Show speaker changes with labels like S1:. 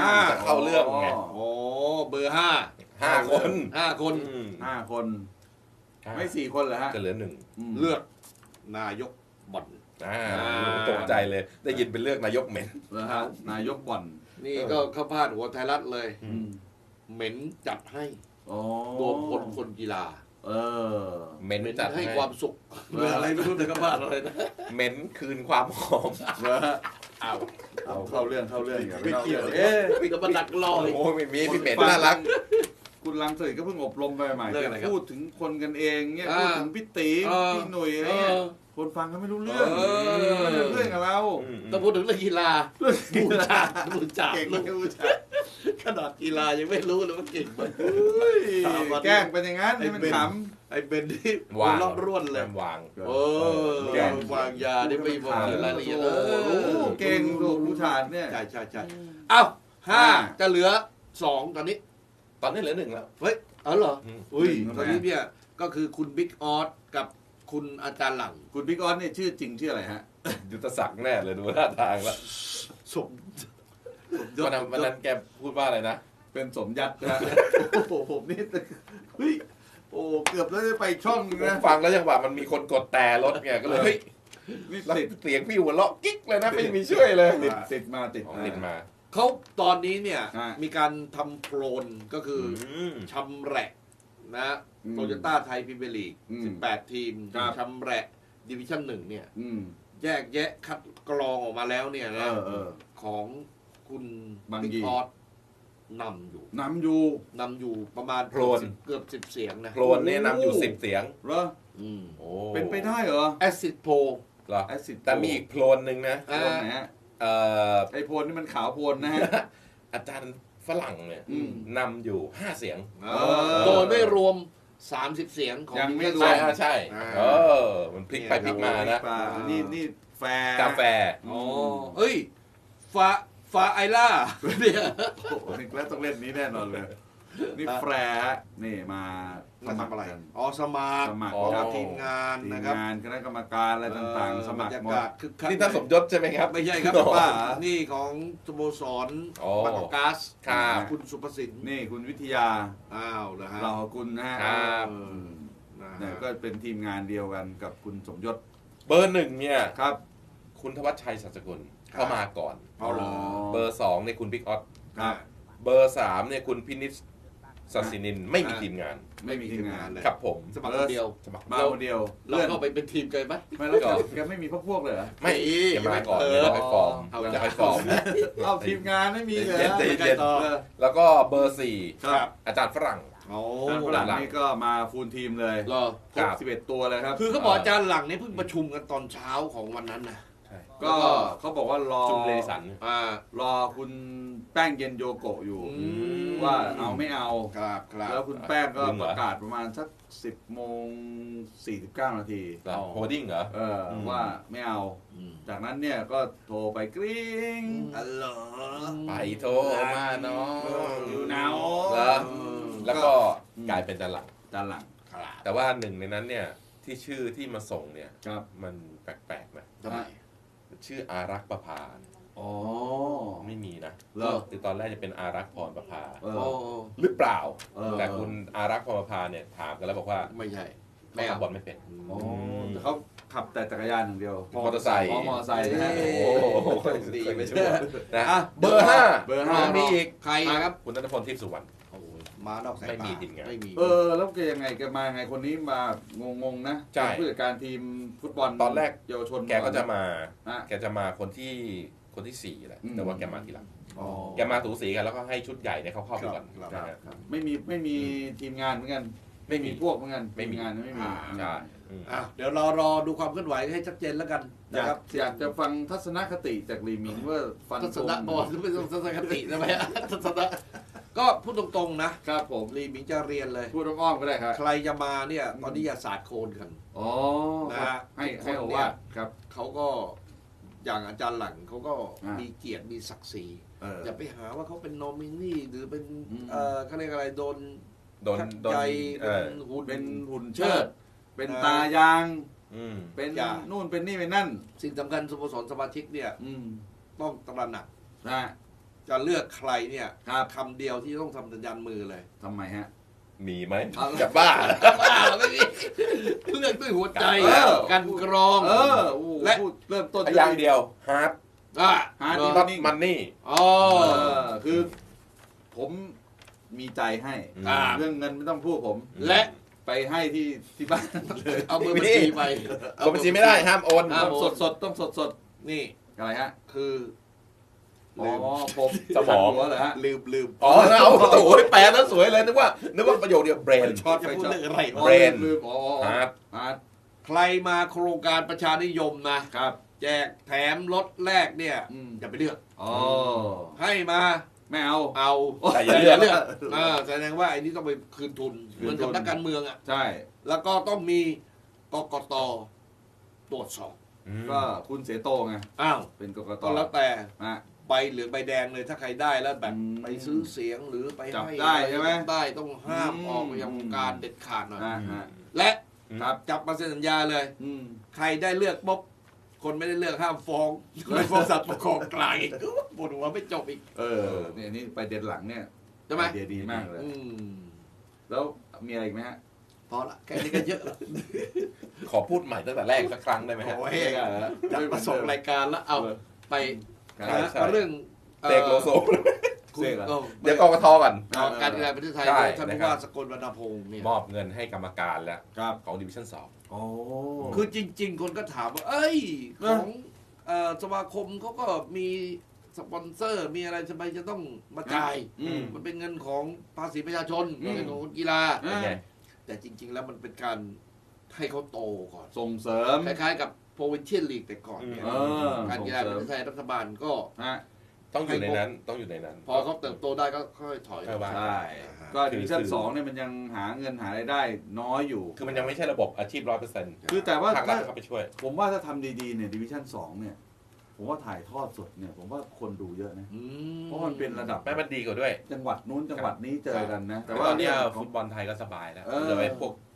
S1: จะเข้าเรื่องไง
S2: โอ้เบอร์ห้า
S1: 5 คน
S2: 5 คน
S3: 5 คนไม่4 คนเหรอฮะ
S1: จะเหลือ1
S2: เลือกนายกบ่อน
S1: ตกใจเลยได้ยินเป็นเลือกนายกเหม็น
S3: เหรอฮะนายกบ่อน
S2: นี่ก็เข้าพาดหัวไทยรัฐเลยเหม็นจัดให้รวมพลคนกีฬา
S1: เหม็นจัด
S2: ให้ความสุขอะไรไม่รู้แต่ก็พาดอะไรนะ
S1: เหม็นคืนความหอม
S3: เอาเข้าเรื่อง
S2: ไม่เกี่ยวก็มาดักรอ
S1: โอ้ไม่มีพี่เหม็นน่ารัก
S3: คุณลังเสยก็เพิ่งอบรมไปใหม่พูดถึงคนกันเองเนี่ยพูดถึงพี่ตีพี่หนุ่ยอะไรเนี่ยคนฟังเขาไม่รู้เรื่องกับเรา
S2: ต้องพูดถึงเรื่องกีฬาบูชาเก่งบูชาขนาดกีฬายังไม่รู้เลยว่าเก่งมัน
S3: แกล้งเป็นอย่างนั้นให้มันข
S2: ำไอ้เบนที่วางร่วนเลยว
S1: าง
S2: แกล้งวางยาได้ไม่บอกรายละเอียด
S3: เก่งถูกผู้ชายเนี่ย
S2: ใช่เอ้า5จะเหลือ2ตอนนี้
S1: เหลือ1แล้ว
S2: เฮ้ยเหรออุ้ยตอนนี้เนี่ยก็คือคุณบิ๊กออสกับคุณอาจารย์หลัง
S3: คุณบิ๊กออสเนี่ยชื่อจริงชื่ออะไรฮะ
S1: ยุทธศักดิ์แน่เลยดูท่าทางแล้ว
S2: สม
S1: วันนั้นแกพูดว่าอะไรนะ
S3: เป็นสมยัดนะโอ้โหผมนี่เฮ้ยโอ้เกือบแล้วจะไปช่องนะ
S1: ฟังแล้วจังหวะมันมีคนกดแต่รถไงก็เลยนี่เสียงพี่หัวเราะกิ๊กเลยนะไม่มีช่วยเลย
S3: ติดมา
S2: เขาตอนนี้เนี่ยมีการทำโคลนก็คือชำแหละนะโตโยต้าไทยพรีเมียร์ลีก18 ทีมชำแหละดิวิชั่น1เนี่ยแยกแยะคัดกรองออกมาแล้วเนี่ยนะของคุณบิ๊กออสนำอยู่ประมาณ
S1: โคลน
S2: เกือบ10 เสียงนะ
S1: โคลนเนี่ยนำอยู่10 เสียง
S3: เหรอเป็นไปได้เหรอ
S2: แอสซิดโพ
S1: เหรอแต่มีอีกโคลนหนึ่งนะ
S3: ไอโพลนี่มันขาวโพลนะฮะ
S1: อาจารย์ฝรั่งเนี่ยนำอยู่5 เสียง
S2: โดยไม่รวม30 เสียงของ
S3: ยังไม่รวม
S1: ใช่มันพลิกไปพลิกมานะ
S3: นี่
S1: กาแฟ
S2: เฮ้ยฟาไอล่าเนี่ย
S3: โอ้โหแล้วต้องเล่นนี้แน่นอนเลยนี่แฟร์นี่มา
S2: ทำอะไรสมัครกับทีมงานนะครับ
S3: คณะกรรมการอะไรต่างๆสมัครหมด
S1: นี่ท่านสมยศใช่ไหมครับ
S2: ไม่ใช่ครับป้านี่ของสโมสรบางกอกก๊าซคุณสุภสิน
S3: นี่คุณวิทยา
S2: นะฮะ
S3: เราคุณนะฮะเนี่ยก็เป็นทีมงานเดียวกันกับคุณสมยศ
S1: เบอร์ 1เนี่ย
S3: ครับ
S1: คุณธวัชชัยสัจกุลเข้ามาก่อนเบอร์ 2เนี่ยคุณบิ๊กออสเบอร์ 3เนี่ยคุณพินิจศัสินินไม่มีทีมงาน
S2: เลย
S1: ครับผม
S2: สมัครคนเดียว
S3: มาคนเดียว
S2: เลื่อนเข้าไปเป็นทีมกันไหม
S3: ไม่แล้วแกไม่มีพวกเลยเหรอ
S1: ไม่มาก่อนจะไปฟอร์ม
S3: เอาทีมงานไม่มีเลย
S1: แล้วก็เบอร์ 4อาจารย์ฝรั่ง
S3: ฝรั่งนี่ก็มาฟูลทีมเลยครบ11 ตัวเลยครับ
S2: คือเขาบอกอาจารย์หลังเนี่ยเพิ่งประชุมกันตอนเช้าของวันนั้นนะ
S3: ก็เขาบอกว่ารอ
S1: จุมเลสัน
S3: รอคุณแป้งเย็นโยโกะอยู่ว่าเอาไม่เอาแล้วคุณแป้งก็ประกาศประมาณสัก10:49 นาที
S1: โฮดดิ้งเหรอ
S3: ว่าไม่เอาจากนั้นเนี่ยก็โทรไปกริ๊ง
S1: ไปโทรมาเนาะ
S3: อยู่หนาว
S1: แล้วก็กลายเป็นจานหลังแต่ว่าหนึ่งในนั้นเนี่ยที่ชื่อที่มาส่งเนี่ยมันแปลกๆนะชื่ออารักษ์ประภาไม่มีนะคือตอนแรกจะเป็นอารักษ์พรประภาหรือเปล่าแต่คุณอารักษ์พรประภาเนี่ยถามกันแล้วบอกว่า
S2: ไม่ใช่
S1: ไม่ขับบอลไม่เป็น
S3: เขาขับแต่จักรยานอย่างเดียว
S1: มอเตอร์ไซค์
S3: นะฮะ
S2: ดีไม่ใช่
S1: นะเบอร์ 5มีอีก
S2: ใครครับ
S1: คุณณัฐพลทิพย์สุวรรณ
S2: มานอกสายตา
S1: ไม่มีทีมงาน
S3: แล้วแกยังไงแกมาไงคนนี้มางงนะผู้จัดการทีมฟุตบอล
S1: ตอนแรก
S3: เยาวชน
S1: แกก็จะมาคนที่4แหละแต่ว่าแกมาทีหลังแกมาถูสีกันแล้วก็ให้ชุดใหญ่เนี่ยเขาเข้าไปก่อน
S3: ไม่มีทีมงานเหมือนกันไม่มีพวกเหมือนกันไม่มีงานไม่มี
S1: ใช่
S2: เดี๋ยวรอดูความเคลื่อนไหวให้ชัดเจนแล้วกันนะครับ
S3: อยากจะฟังทัศนคติจากลีมิงว่าฟัน
S2: ทัศนบอลไม่ต้องทัศนคติใช่ไหมทัศนก็พูดตรงๆนะครับผมลีมิงจะเรียนเลย
S3: พูดอ้อมก็ได้ครับ
S2: ใครจะมาเนี่ยตอนนี้อย่าสาดโคลนกัน
S3: นะให้โอวาทครับ
S2: เขาก็อย่างอาจารย์หลังเขาก็มีเกียรติมีศักดิ์ศรีอย่าไปหาว่าเขาเป็นโนมินีหรือเป็นเขาเรียกอะไรโดนใจ
S3: เป็นหุ่นเชิดเป็นตายางเป็นนู่นเป็นนี่เป็นนั่น
S2: สิ่งสำคัญสโมสรสมาชิกเนี่ยต้องตระหนัก
S3: นะ
S2: จะเลือกใครเนี่ยคำเดียวที่ต้องทำสัญญาณมือเลย
S3: ทำไมฮะ
S1: มีไหมจะบ้า
S2: ไม่มีเลือกด้วยหัวใจกันกรอง
S3: และเริ่มต้น
S1: อย่างเดียวฮาร์ด
S3: ฮาร์ด
S1: น็อตมันนี่
S3: คือผมมีใจให้เรื่องเงินไม่ต้องพูดผม
S2: และ
S3: ไปให้ที่บ้านเลย
S2: เอาเบอร์บัญชีไป
S1: เอาบัญชีไม่ได้ห้ามโอน
S3: ต้องสด
S2: นี่
S3: อะไรฮะ
S2: คือ
S3: ผม
S1: สมอง
S3: เหรอฮะ
S2: ลืม
S1: อ๋อเอาโอ้ยแปลแล้วสวยเลยนึกว่าประโยคเดียวเบรน
S2: ช็อตจะพูดเรื่องอะไร
S1: เบรน
S3: ฮาร์ด
S2: ใครมาโครงการประชานิยมนะครับ แจกแถมรถแรกเนี่ยอย่าไปเลือกให้มา
S3: ไม่เอา
S1: แต่อย่าเลือก
S2: แสดงว่าไอ้นี่ต้องไปคืนทุนเหมือนกับนักการเมืองอ่ะ
S3: ใช่
S2: แล้วก็ต้องมีกกตตรวจสอบ
S3: ก็คุณเสโตไงเป็นกกต
S2: ก็แล้วแต่ใบเหลืองใบแดงเลยถ้าใครได้แล้วแบบไปซื้อเสียงหรือไปให้
S3: ได้ใช่ไหม
S2: ได้ต้องห้ามออกไปยังวงการเด็ดขาดหน่อยและจับมาเซ็นสัญญาเลยใครได้เลือกปุ๊บคนไม่ได้เลือกห้ามฟ้องฟ้องศาลปกครองกลางอีกปวดหัวไม่จบอีก
S3: เนี่ยนี่ไปเด็ดหลังเนี่ย
S2: ใช่ไหม
S3: เดียดีมากเลยแล้วมีอะไรอีกไหมฮะ
S2: พอละแค่นี้ก็เยอะ
S1: ขอพูดใหม่ตั้งแต่แรกสักครั้งได้ไหมฮะ
S2: จัดมาส่งรายการแล้วเอาไปเรื่อง
S1: เตกโลโซ
S2: เ
S1: ดี๋ยวกกตก่อน
S2: การกีฬาประเทศไทยท่านผู้ว่าสกลวรรณพงศ์เนี่ย
S1: มอบเงินให้กรรมการแล้วของดิวิชั่น2
S2: คือจริงๆคนก็ถามว่าเอ้ยของสมาคมเขาก็มีสปอนเซอร์มีอะไรทำไมจะต้องมาจ่ายมันเป็นเงินของภาษีประชาชนเงินของกีฬาแต่จริงๆแล้วมันเป็นการให้เขาโตก่อน
S3: ส่งเสริม
S2: คล้ายๆกับโปรวินเชียนลีกแต่ก่อนเนี่ยการกีฬาประเทศไทยรัฐบาลก็
S1: ต้องอยู่ในนั้น
S2: พอเขาเติบโตได้ก็ค่อยถอย
S3: ใช่ก็ดิวิชั่น2เนี่ยมันยังหาเงินหารายได้น้อยอยู่
S1: คือมันยังไม่ใช่ระบบอาชีพ 100%
S3: คือแต่ว่า
S1: ถ้าเข้าไปช่วย
S3: ผมว่าถ้าทำดีๆเนี่ยดิวิชั่น2เนี่ยผมว่าถ่ายทอดสดเนี่ยผมว่าคนดูเยอะนะเพราะมันเป็นระดับ
S1: แม่มันดีกว่าด้วย
S3: จังหวัดนู้นจังหวัดนี้เจอกันนะ
S1: แต่ว่าตอนนี้ฟุตบอลไทยก็สบายแล้วเลยพวก